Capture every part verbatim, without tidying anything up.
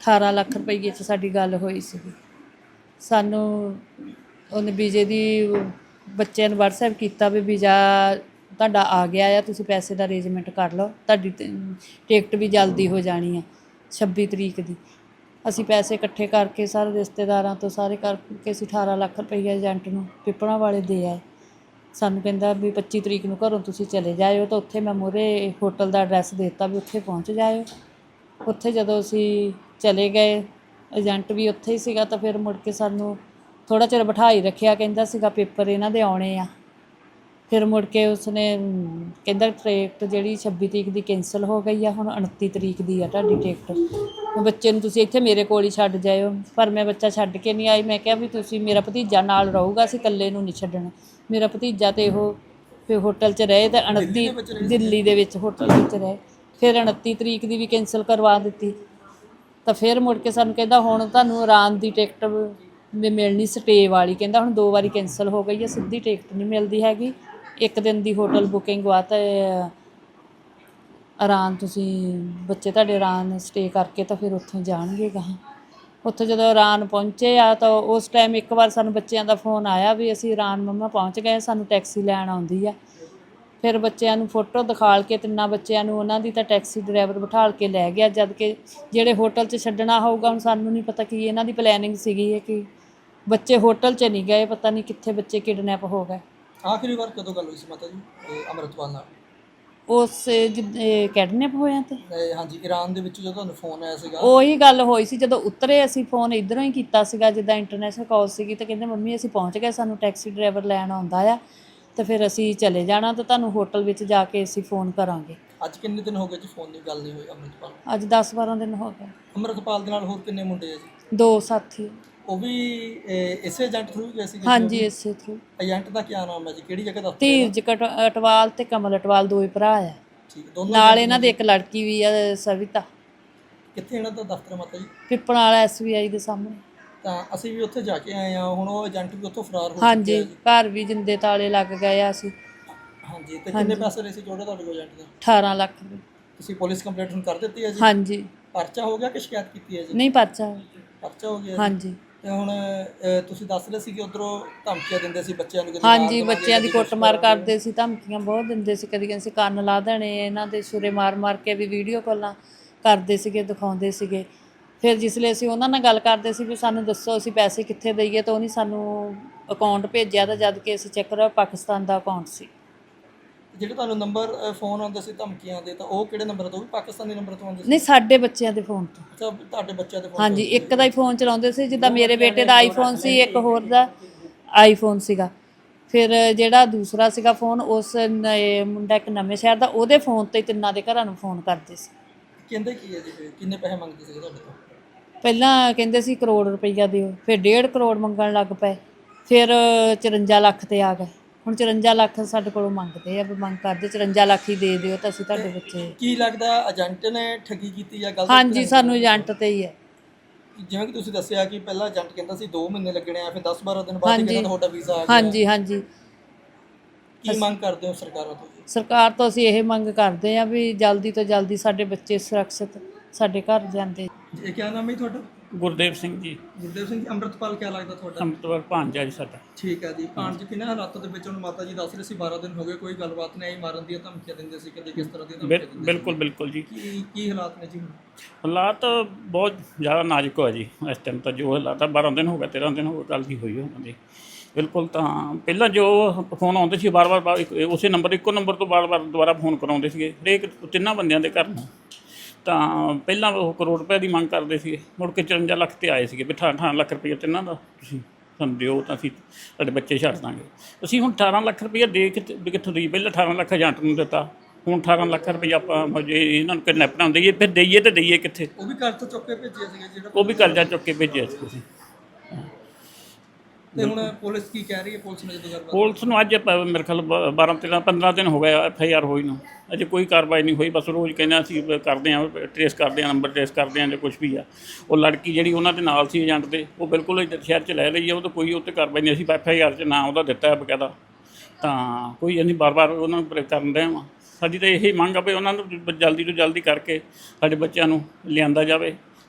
अठारह ਲੱਖ ਰੁਪਈਏ 'ਚ ਸਾਡੀ ਗੱਲ ਹੋਈ ਸੀਗੀ। ਸਾਨੂੰ ਉਹਨੇ ਵੀਜ਼ੇ ਦੀ ਬੱਚਿਆਂ ਨੂੰ ਵਟਸਐਪ ਕੀਤਾ ਵੀ ਵੀਜ਼ਾ ਤੁਹਾਡਾ ਆ ਗਿਆ ਆ, ਤੁਸੀਂ ਪੈਸੇ ਦਾ ਅਰੇਂਜਮੈਂਟ ਕਰ ਲਓ, ਤੁਹਾਡੀ ਟਿਕਟ ਵੀ ਜਲਦੀ ਹੋ ਜਾਣੀ ਆ ਛੱਬੀ ਤਰੀਕ ਦੀ। ਅਸੀਂ ਪੈਸੇ ਇਕੱਠੇ ਕਰਕੇ ਸਾਰੇ ਰਿਸ਼ਤੇਦਾਰਾਂ ਤੋਂ ਸਾਰੇ ਕਰਕੇ ਅਸੀਂ ਅਠਾਰਾਂ ਲੱਖ ਰੁਪਈਆ ਏਜੰਟ ਨੂੰ ਪਿੱਪਲਾਂ ਵਾਲੇ ਦੇ ਆਏ। ਸਾਨੂੰ ਕਹਿੰਦਾ ਵੀ ਪੱਚੀ ਤਰੀਕ ਨੂੰ ਘਰੋਂ ਤੁਸੀਂ ਚਲੇ ਜਾਇਓ, ਤਾਂ ਉੱਥੇ ਮੈਂ ਮੂਹਰੇ ਹੋਟਲ ਦਾ ਐਡਰੈਸ ਦੇ ਦਿੱਤਾ ਵੀ ਉੱਥੇ ਪਹੁੰਚ ਜਾਇਓ। ਉੱਥੇ ਜਦੋਂ ਅਸੀਂ ਚਲੇ ਗਏ, ਏਜੰਟ ਵੀ ਉੱਥੇ ਹੀ ਸੀਗਾ, ਤਾਂ ਫਿਰ ਮੁੜ ਕੇ ਸਾਨੂੰ ਥੋੜ੍ਹਾ ਚਿਰ ਬਿਠਾ ਹੀ ਰੱਖਿਆ। ਕਹਿੰਦਾ ਸੀਗਾ ਪੇਪਰ ਇਹਨਾਂ ਦੇ ਆਉਣੇ ਆ। ਫਿਰ ਮੁੜ ਕੇ ਉਸਨੇ ਕਹਿੰਦਾ ਟਿਕਟ ਜਿਹੜੀ ਛੱਬੀ ਤਰੀਕ ਦੀ ਕੈਂਸਲ ਹੋ ਗਈ ਆ, ਹੁਣ ਉਨੱਤੀ ਤਰੀਕ ਦੀ ਆ ਤੁਹਾਡੀ ਟਿਕਟ। ਬੱਚੇ ਨੂੰ ਤੁਸੀਂ ਇੱਥੇ ਮੇਰੇ ਕੋਲ ਹੀ ਛੱਡ ਜਾਇਓ। ਪਰ ਮੈਂ ਬੱਚਾ ਛੱਡ ਕੇ ਨਹੀਂ ਆਈ। ਮੈਂ ਕਿਹਾ ਵੀ ਤੁਸੀਂ, ਮੇਰਾ ਭਤੀਜਾ ਨਾਲ ਰਹੂਗਾ, ਅਸੀਂ ਇਕੱਲੇ ਨੂੰ ਨਹੀਂ ਛੱਡਣਾ। ਮੇਰਾ ਭਤੀਜਾ ਤਾਂ ਇਹੋ ਫਿਰ ਹੋਟਲ 'ਚ ਰਹੇ, ਤਾਂ ਉਨੱਤੀ ਦਿੱਲੀ ਦੇ ਵਿੱਚ ਹੋਟਲ ਵਿੱਚ ਰਹੇ। ਫਿਰ ਉਨੱਤੀ ਤਰੀਕ ਦੀ ਵੀ ਕੈਂਸਲ ਕਰਵਾ ਦਿੱਤੀ। ਤਾਂ ਫਿਰ ਮੁੜ ਕੇ ਸਾਨੂੰ ਕਹਿੰਦਾ ਹੁਣ ਤੁਹਾਨੂੰ ਆਰਾਮ ਦੀ ਟਿਕਟ ਵੀ ਮਿਲਣੀ ਸਟੇ ਵਾਲੀ। ਕਹਿੰਦਾ ਹੁਣ ਦੋ ਵਾਰੀ ਕੈਂਸਲ ਹੋ ਗਈ ਹੈ, ਸਿੱਧੀ ਟਿਕਟ ਨਹੀਂ ਮਿਲਦੀ ਹੈਗੀ। ਇੱਕ ਦਿਨ ਦੀ ਹੋਟਲ ਬੁਕਿੰਗ ਵਾ ਤਾਂ ਆਰਾਮ ਤੁਸੀਂ ਬੱਚੇ ਤੁਹਾਡੇ ਆਰਾਮ ਸਟੇ ਕਰਕੇ ਤਾਂ ਫਿਰ ਉੱਥੋਂ ਜਾਣਗੇ ਗਾਹਾਂ। ਉੱਥੇ ਜਦੋਂ ਆਰਾਮ ਪਹੁੰਚੇ ਆ ਤਾਂ ਉਸ ਟਾਈਮ ਇੱਕ ਵਾਰ ਸਾਨੂੰ ਬੱਚਿਆਂ ਦਾ ਫੋਨ ਆਇਆ ਵੀ ਅਸੀਂ ਆਰਾਮ ਮੰਮਾ ਪਹੁੰਚ ਗਏ, ਸਾਨੂੰ ਟੈਕਸੀ ਲੈਣ ਆਉਂਦੀ ਆ। ਫਿਰ ਬੱਚਿਆਂ ਨੂੰ ਫੋਟੋ ਦਿਖਾਲ ਕੇ ਤਿੰਨਾਂ ਬੱਚਿਆਂ ਨੂੰ ਉਹਨਾਂ ਦੀ ਤਾਂ ਟੈਕਸੀ ਡਰਾਈਵਰ ਬਿਠਾਲ ਕੇ ਲੈ ਗਿਆ। ਜਦ ਕਿ ਜਿਹੜੇ ਹੋਟਲ 'ਚ ਛੱਡਣਾ ਹੋਊਗਾ, ਹੁਣ ਸਾਨੂੰ ਨਹੀਂ ਪਤਾ ਕੀ ਇਹਨਾਂ ਦੀ ਪਲੈਨਿੰਗ ਸੀਗੀ ਹੈ ਕਿ ਬੱਚੇ ਹੋਟਲ 'ਚ ਨਹੀਂ ਗਏ, ਪਤਾ ਨਹੀਂ ਕਿੱਥੇ ਬੱਚੇ ਕਿਡਨੈਪ ਹੋ ਗਏ। ਆਖਰੀ ਵਾਰ ਕਦੋਂ ਗੱਲ ਹੋਈ ਸੀ ਮਾਤਾ ਜੀ ਅੰਮ੍ਰਿਤਪਾਲ ਨਾਲ? ਉਸ ਜਿੱਦਾਂ ਕਿਡਨੈਪ ਹੋਇਆ ਤੇ ਹਾਂਜੀ ਈਰਾਨ ਦੇ ਵਿੱਚ ਜਦੋਂ ਤੁਹਾਨੂੰ ਫੋਨ ਆਇਆ ਸੀਗਾ, ਉਹੀ ਗੱਲ ਹੋਈ ਸੀ। ਜਦੋਂ ਉਤਰੇ ਅਸੀਂ ਫੋਨ ਇੱਧਰੋਂ ਹੀ ਕੀਤਾ ਸੀਗਾ, ਜਿੱਦਾਂ ਇੰਟਰਨੈਸ਼ਨਲ ਕਾਲ ਸੀਗੀ, ਤਾਂ ਕਹਿੰਦੇ ਮੰਮੀ ਅਸੀਂ ਪਹੁੰਚ ਗਏ, ਸਾਨੂੰ ਟੈਕਸੀ ਡਰਾਈਵਰ ਲੈਣ ਆਉਂਦਾ ਆ, ਤਾਂ ਫਿਰ ਅਸੀਂ ਚਲੇ ਜਾਣਾ, ਤਾਂ ਤੁਹਾਨੂੰ ਹੋਟਲ ਵਿੱਚ ਜਾ ਕੇ ਅਸੀਂ ਫੋਨ ਕਰਾਂਗੇ। ਅੱਜ ਕਿੰਨੇ ਦਿਨ ਹੋ ਗਏ ਜੀ ਫੋਨ ਦੀ ਗੱਲ ਨਹੀਂ ਹੋਈ ਅੰਮ੍ਰਿਤਪਾਲ? ਅੱਜ ਦਸ ਬਾਰਾਂ ਦਿਨ ਹੋ ਗਏ। ਅੰਮ੍ਰਿਤਪਾਲ ਦੇ ਨਾਲ ਹੋਰ ਕਿੰਨੇ ਮੁੰਡੇ ਆ ਜੀ? ਦੋ ਸਾਥੀ। ਉਹ ਵੀ ਇਸੇ ਏਜੰਟ ਥਰੂ ਗਏ ਸੀ? ਹਾਂਜੀ ਇਸੇ ਥਰੂ। ਏਜੰਟ ਦਾ ਕੀ ਨਾਮ ਹੈ ਜੀ, ਕਿਹੜੀ ਜਗ੍ਹਾ ਦਾ? ਧੀਰਜ ਅਟਵਾਲ ਤੇ ਕਮਲ ਅਟਵਾਲ ਦੋ ਹੀ ਭਰਾ ਆ। ਠੀਕ, ਦੋਨੋਂ ਨਾਲ ਇਹਨਾਂ ਦੇ ਇੱਕ ਲੜਕੀ ਵੀ ਆ ਸਵਿਤਾ। ਕਿੱਥੇ ਇਹਨਾਂ ਦਾ ਦਫ਼ਤਰ ਮਾਤਾ ਜੀ? ਪਿੱਪਲਾਂ ਵਾਲਾ ਐਸ ਬੀ ਆਈ ਦੇ ਸਾਹਮਣੇ। ਤਾਂ ਅਸੀਂ ਵੀ ਉੱਥੇ ਜਾ ਕੇ ਆਏ ਹਾਂ, ਹੁਣ ਉਹ ਏਜੰਟ ਵੀ ਉੱਥੋਂ ਫਰਾਰ ਹੋ ਚੁੱਕੇ ਹਾਂਜੀ, ਘਰ ਵੀ ਜਿੰਦੇ ਤਾਲੇ ਲੱਗ ਗਏ ਆ ਅਸੀਂ। ਹਾਂਜੀ, ਤੇ ਕਿੰਨੇ ਪੈਸੇ ਲਏ ਸੀ ਟੋਟਲ ਤੁਹਾਡੇ ਕੋਲ ਏਜੰਟ ਦਾ? ਅਠਾਰਾਂ ਲੱਖ ਰੁਪਏ। ਤੁਸੀਂ ਪੁਲਿਸ ਕੰਪਲੇਂਟ ਹੁਣ ਕਰ ਦਿੱਤੀ ਹੈ ਜੀ? ਹਾਂਜੀ। ਪਰਚਾ ਹੋ ਗਿਆ ਕਿ ਸ਼ਿਕਾਇਤ ਕੀਤੀ ਹੈ ਜੀ? ਨਹੀਂ, ਪਰਚਾ। ਪਰਚਾ ਹੋ ਗਿਆ? ਹਾਂਜੀ। ਤੇ ਹੁਣ ਤੁਸੀਂ ਦੱਸ ਰਹੇ ਸੀ ਕਿ ਉਧਰੋਂ ਧਮਕੀਆਂ ਦਿੰਦੇ ਸੀ ਬੱਚਿਆਂ ਨੂੰ? ਹਾਂਜੀ, ਬੱਚਿਆਂ ਦੀ ਕੁੱਟਮਾਰ ਕਰਦੇ ਸੀ, ਧਮਕੀਆਂ ਬਹੁਤ ਦਿੰਦੇ ਸੀ। ਕਦੀ ਅਸੀਂ ਕੰਨ ਲਾ ਦੇਣੇ ਇਹਨਾਂ ਦੇ, ਛੁਰੇ ਮਾਰ ਮਾਰ ਕੇ ਵੀ ਵੀਡੀਓ ਕਾਲਾਂ ਕਰਦੇ ਸੀਗੇ, ਦਿਖਾਉਂਦੇ ਸੀਗੇ। ਫਿਰ ਜਿਸ ਲਈ ਅਸੀਂ ਉਹਨਾਂ ਨਾਲ ਗੱਲ ਕਰਦੇ ਸੀ ਵੀ ਸਾਨੂੰ ਦੱਸੋ ਅਸੀਂ ਪੈਸੇ ਕਿੱਥੇ ਦਈਏ, ਤਾਂ ਉਹਨੇ ਸਾਨੂੰ ਅਕਾਊਂਟ ਭੇਜਿਆ, ਤਾਂ ਜਦ ਕਿ ਅਸੀਂ ਚੈੱਕ ਕਰਿਆ ਪਾਕਿਸਤਾਨ ਦਾ ਅਕਾਊਂਟ ਸੀ। ਜਿਹੜੇ ਤੁਹਾਨੂੰ ਨੰਬਰ ਫੋਨ ਆਉਂਦੇ ਸੀ ਧਮਕੀਆਂ ਦੇ, ਤਾਂ ਉਹ ਕਿਹੜੇ ਨੰਬਰ ਤੋਂ? ਵੀ ਪਾਕਿਸਤਾਨੀ ਨੰਬਰ ਤੋਂ ਆਉਂਦੇ ਸੀ? ਨਹੀਂ, ਸਾਡੇ ਬੱਚਿਆਂ ਦੇ ਫੋਨ ਤੋਂ। ਅੱਛਾ, ਤੁਹਾਡੇ ਬੱਚਿਆਂ ਦੇ ਫੋਨ? ਹਾਂਜੀ, ਇੱਕ ਦਾ ਹੀ ਫੋਨ ਚਲਾਉਂਦੇ ਸੀ। ਜਿੱਦਾਂ ਮੇਰੇ ਬੇਟੇ ਦਾ ਆਈਫੋਨ ਸੀ, ਇੱਕ ਹੋਰ ਦਾ ਆਈਫੋਨ ਸੀਗਾ। ਫਿਰ ਜਿਹੜਾ ਦੂਸਰਾ ਸੀਗਾ ਫੋਨ, ਉਸ ਮੁੰਡਾ ਇੱਕ ਨਵੇਂ ਸ਼ਹਿਰ ਦਾ, ਉਹਦੇ ਫੋਨ 'ਤੇ ਤਿੰਨਾਂ ਦੇ ਘਰਾਂ ਨੂੰ ਫੋਨ ਕਰਦੇ ਸੀ। ਕਹਿੰਦੇ ਕੀ ਹੈ ਜੀ, ਕਿੰਨੇ ਪੈਸੇ ਮੰਗਦੇ ਸੀ ਤੁਹਾਡੇ ਤੋਂ? ਪਹਿਲਾਂ ਕਹਿੰਦੇ ਸੀ ਕਰੋੜ ਰੁਪਈਆ ਦਿਓ, ਫਿਰ ਡੇਢ ਕਰੋੜ ਮੰਗਣ ਲੱਗ ਪਏ, ਫਿਰ ਚੁਰੰਜਾ ਲੱਖ 'ਤੇ ਆ ਗਏ। ਹੁਣ ਚੁਰੰਜਾ ਲੱਖ ਸਾਡੇ ਕੋਲੋਂ ਮੰਗਦੇ ਆ, ਵੀ ਮੰਗ ਕਰਦੇ ਚੁਰੰਜਾ ਲੱਖ ਹੀ ਦੇ ਦਿਓ ਤਾਂ ਅਸੀਂ ਤੁਹਾਡੇ ਬੱਚੇ। ਕੀ ਲੱਗਦਾ ਏਜੰਟ ਨੇ ਠੱਗੀ ਕੀਤੀ ਜਾਂ ਗਲਤ? ਹਾਂਜੀ, ਸਾਨੂੰ ਏਜੰਟ 'ਤੇ ਹੀ ਹੈ। ਜਿਵੇਂ ਕਿ ਤੁਸੀਂ ਦੱਸਿਆ ਕਿ ਪਹਿਲਾਂ ਏਜੰਟ ਕਹਿੰਦਾ ਸੀ ਦੋ ਮਹੀਨੇ ਲੱਗਣੇ ਆ, ਫਿਰ ਦਸ ਬਾਰਾਂ ਦਿਨ ਬਾਅਦ ਕਹਿੰਦਾ ਤੁਹਾਡਾ ਵੀਜ਼ਾ ਆ ਗਿਆ। ਹਾਂਜੀ ਹਾਂਜੀ। ਕੀ ਮੰਗ ਕਰਦੇ ਹੋ ਸਰਕਾਰਾਂ ਤੋਂ? ਸਰਕਾਰ ਤੋਂ ਅਸੀਂ ਇਹ ਮੰਗ ਕਰਦੇ ਹਾਂ ਵੀ ਜਲਦੀ ਤੋਂ ਜਲਦੀ ਸਾਡੇ ਬੱਚੇ ਸੁਰੱਖਿਅਤ ਸਾਡੇ ਘਰ ਜਾਂਦੇ। ਇਹ ਕੀ ਨਾਮ ਹੈ ਤੁਹਾਡਾ? ਗੁਰਦੇਵ ਸਿੰਘ ਜੀ। ਗੁਰਦੇਵ ਸਿੰਘ ਜੀ, ਅੰਮ੍ਰਿਤਪਾਲ ਕੀ ਲੱਗਦਾ ਤੁਹਾਡਾ? ਅੰਮ੍ਰਿਤਪਾਲ ਭਾਂਜਾ ਜੀ ਸਾਡਾ। ਠੀਕ ਹੈ ਜੀ। ਭਾਂਜ ਕਿਹਨਾਂ ਹਾਲਾਤਾਂ ਦੇ ਵਿੱਚ? ਹੁਣ ਮਾਤਾ ਜੀ ਦੱਸ ਰਹੇ ਸੀ ਬਾਰਾਂ ਦਿਨ ਹੋ ਗਏ, ਕੋਈ ਗੱਲਬਾਤ ਨਹੀਂ ਆਈ, ਮਾਰਨ ਦੀਆਂ ਧਮਕੀਆਂ ਦਿੰਦੇ ਸੀ, ਕਦੇ ਕਿਸ ਤਰ੍ਹਾਂ ਦੀਆਂ ਧਮਕੀਆਂ ਦਿੰਦੇ ਸੀ? ਬਿਲਕੁਲ ਬਿਲਕੁਲ ਜੀ। ਕੀ ਕੀ ਹਾਲਾਤ ਨੇ ਜੀ ਹੁਣ? ਹਾਲਾਤ ਬਹੁਤ ਜ਼ਿਆਦਾ ਨਾਜ਼ੁਕ ਹੋਇਆ ਜੀ ਇਸ ਟਾਈਮ। ਤਾਂ ਜੋ ਹਾਲਾਤ ਆ, ਬਾਰਾਂ ਦਿਨ ਹੋ ਗਏ, ਤੇਰਾਂ ਦਿਨ ਹੋ ਗਏ ਗੱਲ ਦੀ ਹੋਈ ਉਹਨਾਂ ਦੀ। ਬਿਲਕੁਲ। ਤਾਂ ਪਹਿਲਾਂ ਜੋ ਫੋਨ ਆਉਂਦੇ ਸੀ ਵਾਰ ਵਾਰ ਉਸੇ ਨੰਬਰ, ਇੱਕੋ ਨੰਬਰ ਤੋਂ ਵਾਰ ਵਾਰ ਦੁਬਾਰਾ ਫੋਨ ਕਰਾਉਂਦੇ ਸੀਗੇ ਹਰੇਕ ਤਿੰਨਾਂ ਬੰਦਿਆਂ ਦੇ ਘਰ ਨੂੰ। ਤਾਂ ਪਹਿਲਾਂ ਉਹ ਕਰੋੜ ਰੁਪਏ ਦੀ ਮੰਗ ਕਰਦੇ ਸੀਗੇ, ਮੁੜ ਕੇ ਚੁਰੰਜਾ ਲੱਖ 'ਤੇ ਆਏ ਸੀਗੇ ਵੀ ਅਠਾਰਾਂ ਅਠਾਰਾਂ ਲੱਖ ਰੁਪਈਆ ਤਿੰਨਾਂ ਦਾ ਤੁਸੀਂ ਸਾਨੂੰ ਦਿਓ ਤਾਂ ਅਸੀਂ ਤੁਹਾਡੇ ਬੱਚੇ ਛੱਡ ਦਾਂਗੇ। ਅਸੀਂ ਹੁਣ ਅਠਾਰਾਂ ਲੱਖ ਰੁਪਈਆ ਦੇ ਕੇ ਵੀ ਕਿੱਥੋਂ ਦਈਏ? ਪਹਿਲਾਂ ਅਠਾਰਾਂ ਲੱਖ ਏਜੰਟ ਨੂੰ ਦਿੱਤਾ, ਹੁਣ ਅਠਾਰਾਂ ਲੱਖ ਰੁਪਈਆ ਆਪਾਂ ਜੇ ਇਹਨਾਂ ਨੂੰ ਕਿਡਨੈਪਰਾਂ ਨੂੰ ਦਈਏ, ਫਿਰ ਦਈਏ ਤਾਂ ਦਈਏ ਕਿੱਥੇ? ਉਹ ਵੀ ਕਰਜ਼ਾ ਚੁੱਕ ਕੇ ਭੇਜਿਆ ਸੀਗਾ ਜਿਹੜਾ? ਉਹ ਵੀ ਕਰਜ਼ਾ ਚੁੱਕ ਕੇ ਭੇਜਿਆ ਸੀ ਤੁਸੀਂ। ਤੇ ਹੁਣ ਪੁਲਿਸ ਕੀ ਕਹਿ ਰਹੀ ਹੈ? ਪੁਲਿਸ ਨੇ ਜਦੋਂ ਗੱਲਬਾਤ? ਪੁਲਿਸ ਨੂੰ ਅੱਜ ਮੇਰੇ ਖਿਆਲ ਬਾਰਾਂ ਤੇਰਾਂ ਪੰਦਰਾਂ ਦਿਨ ਹੋ ਗਏ ਐਫ ਆਈ ਆਰ ਹੋਈ ਨੂੰ, ਅਜੇ ਕੋਈ ਕਾਰਵਾਈ ਨਹੀਂ ਹੋਈ। ਬਸ ਰੋਜ਼ ਕਹਿੰਦੇ ਅਸੀਂ ਕਰਦੇ ਹਾਂ, ਟਰੇਸ ਕਰਦੇ ਹਾਂ, ਨੰਬਰ ਟਰੇਸ ਕਰਦੇ ਹਾਂ ਜਾਂ ਕੁਛ ਵੀ ਆ। ਉਹ ਲੜਕੀ ਜਿਹੜੀ ਉਹਨਾਂ ਦੇ ਨਾਲ ਸੀ ਏਜੰਟ ਦੇ, ਉਹ ਬਿਲਕੁਲ ਸ਼ਹਿਰ 'ਚ ਲੈ ਲਈ ਆ, ਉਹ ਤਾਂ ਕੋਈ ਉੱਤੇ ਕਾਰਵਾਈ ਨਹੀਂ। ਅਸੀਂ ਐਫ ਆਈ ਆਰ 'ਚ ਨਾਂ ਉਹਦਾ ਦਿੱਤਾ ਹੈ ਬਕਾਇਦਾ, ਤਾਂ ਕੋਈ ਅਸੀਂ ਬਾਰ ਬਾਰ ਉਹਨਾਂ ਨੂੰ ਕਰਨ ਰਹੇ ਹਾਂ। ਸਾਡੀ ਤਾਂ ਇਹੀ ਮੰਗ ਆ ਵੀ ਉਹਨਾਂ ਨੂੰ ਜਲਦੀ ਤੋਂ ਜਲਦੀ ਕਰਕੇ ਸਾਡੇ ਬੱਚਿਆਂ ਨੂੰ ਲਿਆਂਦਾ ਜਾਵੇ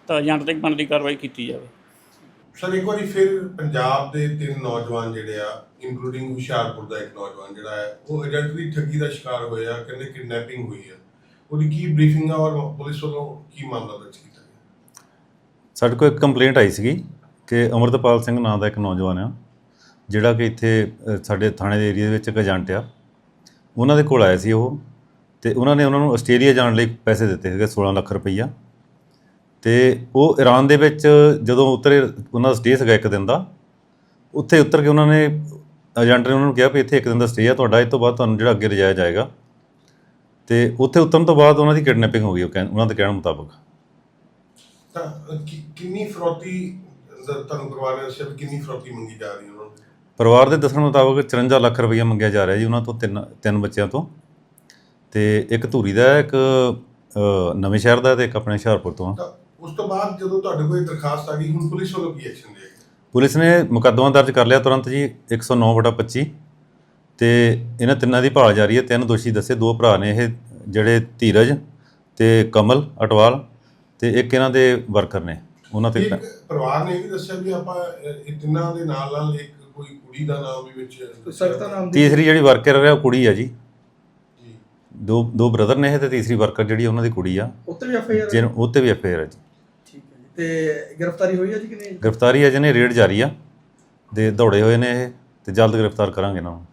ਤਾਂ ਏਜੰਟ ਤੇ ਬਣਦੀ ਕਾਰਵਾਈ ਕੀਤੀ ਜਾਵੇ। ਸਰ ਇੱਕ ਵਾਰੀ ਫਿਰ ਪੰਜਾਬ ਦੇ ਤਿੰਨ ਨੌਜਵਾਨ ਜਿਹੜੇ ਆ ਇਨਕਲੂਡਿੰਗ ਹੁਸ਼ਿਆਰਪੁਰ ਦਾ ਇੱਕ ਨੌਜਵਾਨ ਜਿਹੜਾ ਹੈ ਉਹ ਏਜੰਟ ਦੀ ਠੱਗੀ ਦਾ ਸ਼ਿਕਾਰ ਹੋਇਆ, ਕਹਿੰਦੇ ਕਿਡਨੈਪਿੰਗ ਹੋਈ ਹੈ, ਉਹਦੀ ਕੀ ਬਰੀਫਿੰਗ ਆ ਔਰ ਪੁਲਿਸ ਵੱਲੋਂ ਕੀ ਮਾਮਲਾ ਦਰਜ ਕੀਤਾ ਗਿਆ? ਸਾਡੇ ਕੋਲ ਇੱਕ ਕੰਪਲੇਂਟ ਆਈ ਸੀਗੀ ਕਿ ਅਮਰਤਪਾਲ ਸਿੰਘ ਨਾਂ ਦਾ ਇੱਕ ਨੌਜਵਾਨ ਆ ਜਿਹੜਾ ਕਿ ਇੱਥੇ ਅ, ਸਾਡੇ ਥਾਣੇ ਦੇ ਏਰੀਆ ਦੇ ਵਿੱਚ ਇੱਕ ਏਜੰਟ ਆ, ਉਹਨਾਂ ਦੇ ਕੋਲ ਆਇਆ ਸੀ ਉਹ, ਅਤੇ ਉਹਨਾਂ ਨੇ ਉਹਨਾਂ ਨੂੰ ਆਸਟ੍ਰੇਲੀਆ ਜਾਣ ਲਈ ਪੈਸੇ ਦਿੱਤੇ ਸੀਗੇ ਸੋਲਾਂ ਲੱਖ ਰੁਪਈਆ। ਅਤੇ ਉਹ ਈਰਾਨ ਦੇ ਵਿੱਚ ਜਦੋਂ ਉਤਰੇ, ਉਹਨਾਂ ਦਾ ਸਟੇ ਸੀਗਾ ਇੱਕ ਦਿਨ ਦਾ, ਉੱਥੇ ਉਤਰ ਕੇ ਉਹਨਾਂ ਨੇ ਏਜੰਟ ਨੇ ਉਹਨਾਂ ਨੂੰ ਕਿਹਾ ਵੀ ਇੱਥੇ ਇੱਕ ਦਿਨ ਦਾ ਸਟੇ ਆ ਤੁਹਾਡਾ, ਇਸ ਤੋਂ ਬਾਅਦ ਤੁਹਾਨੂੰ ਜਿਹੜਾ ਅੱਗੇ ਲਿਜਾਇਆ ਜਾਏਗਾ। ਅਤੇ ਉੱਥੇ ਉਤਰਨ ਤੋਂ ਬਾਅਦ ਉਹਨਾਂ ਦੀ ਕਿਡਨੈਪਿੰਗ ਹੋ ਗਈ, ਉਹ ਕਹਿ ਉਹਨਾਂ ਦੇ ਕਹਿਣ ਮੁਤਾਬਕ। ਤਾਂ ਕਿ- ਕਿੰਨੀ ਫਰੌਤੀ ਦਾ ਤੁਹਾਨੂੰ ਪਰਿਵਾਰ ਨੇ ਦੱਸਿਆ ਵੀ ਕਿੰਨੀ ਫਰੌਤੀ ਮੰਗੀ ਜਾ ਰਹੀ ਉਹਨਾਂ ਨੂੰ? ਪਰਿਵਾਰ ਦੇ ਦੱਸਣ ਮੁਤਾਬਕ ਚੁਰੰਜਾ ਲੱਖ ਰੁਪਈਆ ਮੰਗਿਆ ਜਾ ਰਿਹਾ ਜੀ ਉਹਨਾਂ ਤੋਂ, ਤਿੰਨ ਤਿੰਨ ਬੱਚਿਆਂ ਤੋਂ, ਅਤੇ ਇੱਕ ਧੂਰੀ ਦਾ ਹੈ, ਇੱਕ ਅ, ਨਵੇਂ ਸ਼ਹਿਰ ਦਾ, ਅਤੇ ਇੱਕ ਆਪਣੇ ਹੁਸ਼ਿਆਰਪੁਰ ਤੋਂ ਆ। ਤਾਂ ਉਸ ਤੋਂ ਬਾਅਦ ਜਦੋਂ ਤੁਹਾਡੇ ਕੋਲ ਇਹ ਦਰਖਾਸਤ ਆ ਗਈ, ਹੁਣ ਪੁਲਿਸ ਵੱਲੋਂ ਕੀ ਐਕਸ਼ਨ ਲਿਆ ਗਿਆ? ਪੁਲਿਸ ਨੇ ਮੁਕੱਦਮਾ ਦਰਜ ਕਰ ਲਿਆ ਤੁਰੰਤ ਜੀ, ਇੱਕ ਸੌ ਨੌ ਵਟਾ ਪੱਚੀ, ਅਤੇ ਇਹਨਾਂ ਤਿੰਨਾਂ ਦੀ ਭਾਲ ਜਾਰੀ ਹੈ। ਤਿੰਨ ਦੋਸ਼ੀ ਦੱਸੇ, ਦੋ ਭਰਾ ਨੇ ਇਹ ਜਿਹੜੇ ਧੀਰਜ ਅਤੇ ਕਮਲ ਅਟਵਾਲ, ਅਤੇ ਇੱਕ ਇਹਨਾਂ ਦੇ ਵਰਕਰ ਨੇ ਉਹਨਾਂ 'ਤੇ। ਇੱਕ ਪਰਿਵਾਰ ਨੇ ਇਹ ਵੀ ਦੱਸਿਆ ਵੀ ਆਪਾਂ ਇਹ ਤਿੰਨਾਂ ਦੇ ਨਾਲ ਨਾਲ ਇੱਕ ਕੋਈ ਕੁੜੀ ਦਾ ਨਾਮ ਵੀ ਵਿੱਚ ਸਖਤਾ ਨਾਮ ਦੀ ਤੀਸਰੀ ਜਿਹੜੀ ਵਰਕਰ ਹੈ ਉਹ ਕੁੜੀ ਆ ਜੀ, ਜੀ ਦੋ ਦੋ ਬ੍ਰਦਰ ਨੇ ਇਹ, ਅਤੇ ਤੀਸਰੀ ਵਰਕਰ ਜਿਹੜੀ ਉਹਨਾਂ ਦੀ ਕੁੜੀ ਆ, ਉੱਤੇ ਵੀ ਐਫ ਆਈ ਆਰ ਜਿਹਨ ਉਹ 'ਤੇ ਵੀ ਐਫ ਆਈ ਆਰ ਹੈ ਜੀ। ਠੀਕ ਹੈ ਜੀ। ਤੇ ਗ੍ਰਿਫਤਾਰੀ ਹੋਈ ਹੈ ਜੀ ਕਿ ਨਹੀਂ? ਗ੍ਰਿਫਤਾਰੀ ਅਜੇ ਨੇ ਰੇਡ ਜਾਰੀ ਆ, ਦੇ ਦੌੜੇ ਹੋਏ ਨੇ ਇਹ, ਅਤੇ ਜਲਦ ਗ੍ਰਿਫਤਾਰ ਕਰਾਂਗੇ ਇਹਨਾਂ ਨੂੰ।